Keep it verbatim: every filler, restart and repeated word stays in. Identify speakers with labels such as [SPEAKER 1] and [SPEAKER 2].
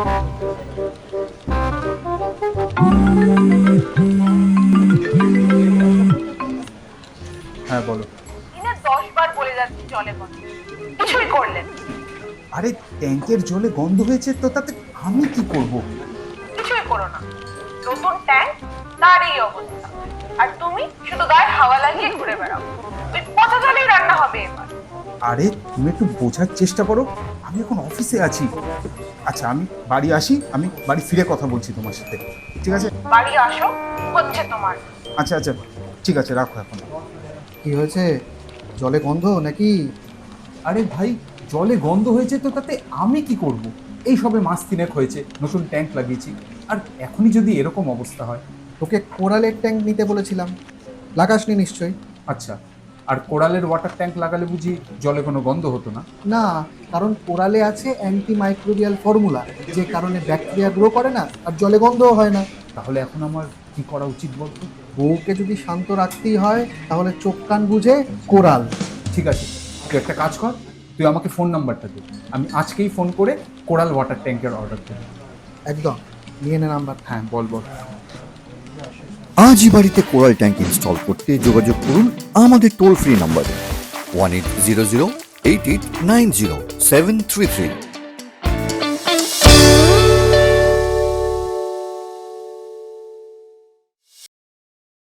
[SPEAKER 1] হ্যাঁ বলো।
[SPEAKER 2] দিনে দশ বার বলে যাচ্ছি জলে গন্ধ, কিছুই করলেন?
[SPEAKER 1] আরে ট্যাঙ্কের জলে গন্ধ হয়েছে তো তাতে আমি কি করব?
[SPEAKER 2] কিছুই করো না, নতুন ট্যাঙ্ক তার এই অবস্থা, আর তুমি শুধু গায়ে হাওয়া লাগিয়ে ঘুরে বেড়াও। ওই পচা জলেই রান্না হবে এবার।
[SPEAKER 1] আরে তুমি একটু বোঝার চেষ্টা করো, আমি এখন অফিসে আছি। আচ্ছা আমি বাড়ি আসি, আমি বাড়ি ফিরে কথা বলছি তোমার সাথে, ঠিক আছে?
[SPEAKER 2] বাড়ি আসো, হচ্ছে তোমার।
[SPEAKER 1] আচ্ছা আচ্ছা ঠিক আছে, রাখো এখন।
[SPEAKER 3] কি হয়েছে? জলে গন্ধ নাকি?
[SPEAKER 1] আরে ভাই, জলে গন্ধ হয়েছে তো তাতে আমি কি করব? এই সবে মাস তিনেক হয়েছে, নতুন ট্যাঙ্ক লাগিয়েছি, আর এখনই যদি এরকম অবস্থা হয়।
[SPEAKER 3] তোকে কোরালের ট্যাঙ্ক নিতে বলেছিলাম, লাগাসনি নিশ্চয়ই।
[SPEAKER 1] আচ্ছা, আর কোরালের ওয়াটার ট্যাঙ্ক লাগালে বুঝি জলে কোনো গন্ধ হতো না?
[SPEAKER 3] না, কারণ কোরালে আছে অ্যান্টি মাইক্রোবিয়াল ফর্মুলা, যে কারণে ব্যাকটেরিয়া গ্রো করে না আর জলে গন্ধও হয় না।
[SPEAKER 1] তাহলে এখন আমার কি করা উচিত বলতো?
[SPEAKER 3] বউকে যদি শান্ত রাখতেই হয় তাহলে চোখ কান বুঝে কোরাল।
[SPEAKER 1] ঠিক আছে, তুই একটা কাজ কর, তুই আমাকে ফোন নাম্বারটা দে, আমি আজকেই ফোন করে কোরাল ওয়াটার ট্যাঙ্কের অর্ডার দেব।
[SPEAKER 3] একদম, নিয়ে নে নাম্বার।
[SPEAKER 1] হ্যাঁ বল বল।
[SPEAKER 4] আজই বাড়িতে কোরাল ট্যাঙ্ক ইনস্টল করতে যোগাযোগ করুন আমাদের টোল ফ্রি নাম্বারে one eight zero zero eight eight nine zero seven three three.